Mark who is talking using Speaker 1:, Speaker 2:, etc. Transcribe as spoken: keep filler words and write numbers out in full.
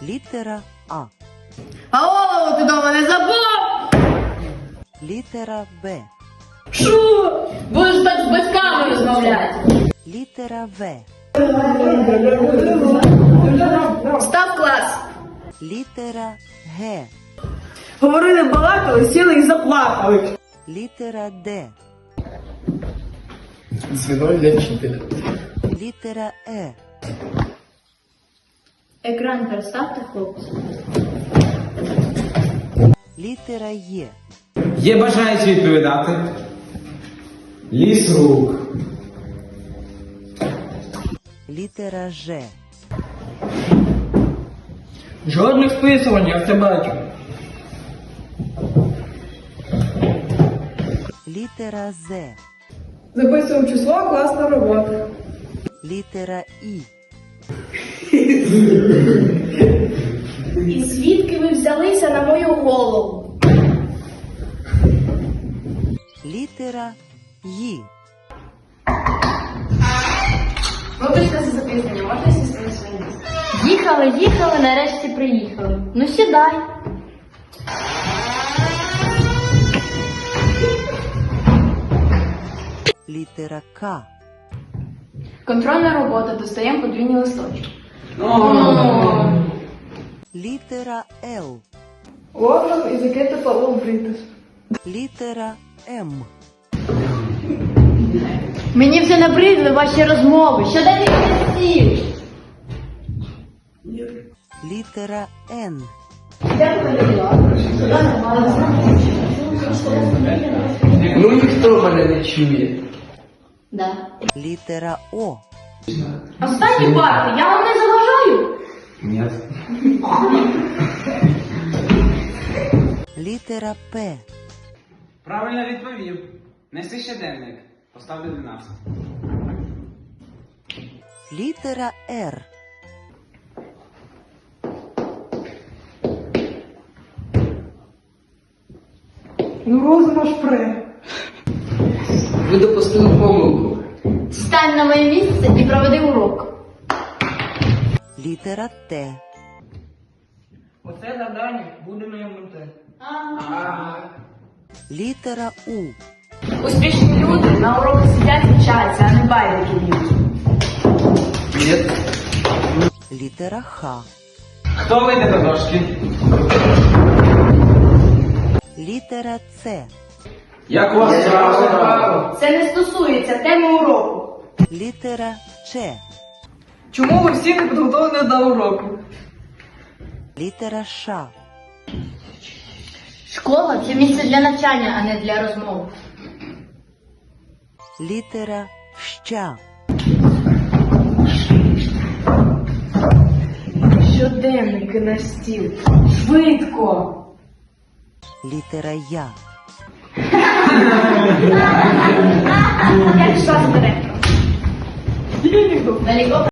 Speaker 1: Літера А.
Speaker 2: А голову ти дома не забув?
Speaker 1: Літера Б.
Speaker 2: Шу! Будеш так з батьками розмовляти.
Speaker 1: Літера В.
Speaker 2: Став клас.
Speaker 1: Літера Г.
Speaker 3: Говорили, балакали, сіли і заплакали.
Speaker 1: Літера Д.
Speaker 4: Дзвінок для вчителя.
Speaker 1: Літера Е.
Speaker 2: Екран переставте, хлопці.
Speaker 1: Літера Є.
Speaker 5: Є бажаючі відповідати? Ліс рук.
Speaker 1: Літера Ж.
Speaker 3: Жодних списувань, я все бачу.
Speaker 1: Літера З.
Speaker 3: Записуємо число, класна робота.
Speaker 1: Літера І.
Speaker 2: І звідки ви взялися на мою голову?
Speaker 1: Літера Й.
Speaker 2: Вибачте за запізнення, можна сісти на своє місце? Їхали, їхали, нарешті приїхали. Ну сідай.
Speaker 1: Літера К.
Speaker 2: Контрольна робота, достаємо подвійні листочки.
Speaker 1: Літера Л.
Speaker 3: Лондон і Закита Павло Бритис.
Speaker 1: Літера М.
Speaker 2: Мені вже набридли ваші розмови. Що далі стіл?
Speaker 1: Літера Н.
Speaker 4: Ну ніхто мене не чує.
Speaker 2: Да.
Speaker 1: Літера О.
Speaker 2: Останні парти, я вам не заважаю?
Speaker 5: Ні.
Speaker 1: Літера П.
Speaker 5: Правильно відповів. Неси щоденник. Поставлю дванадцять.
Speaker 1: Літера Р.
Speaker 3: Ну розум аж пре.
Speaker 4: Ви допустили помилку.
Speaker 2: Стань на моє місце і проведи урок.
Speaker 1: Літера Т.
Speaker 3: Оце завдання буде на ем ен те.
Speaker 1: Літера У.
Speaker 2: Успішні люди на уроках сидять і вчаться, а не байдики б'ють.
Speaker 4: Ні.
Speaker 1: Літера Х.
Speaker 5: Хто вийде до дошки?
Speaker 1: Літера С.
Speaker 5: Як у вас справа?
Speaker 2: Це не стосується теми уроку.
Speaker 1: Літера Ч.
Speaker 3: Чому ви всі не підготовлені до уроку?
Speaker 1: Літера Ш.
Speaker 2: Школа – це місце для навчання, а не для розмов.
Speaker 1: Літера Щ.
Speaker 3: Щоденники на стіл. Швидко.
Speaker 1: Літера Я.
Speaker 2: Як шас директор. Далеко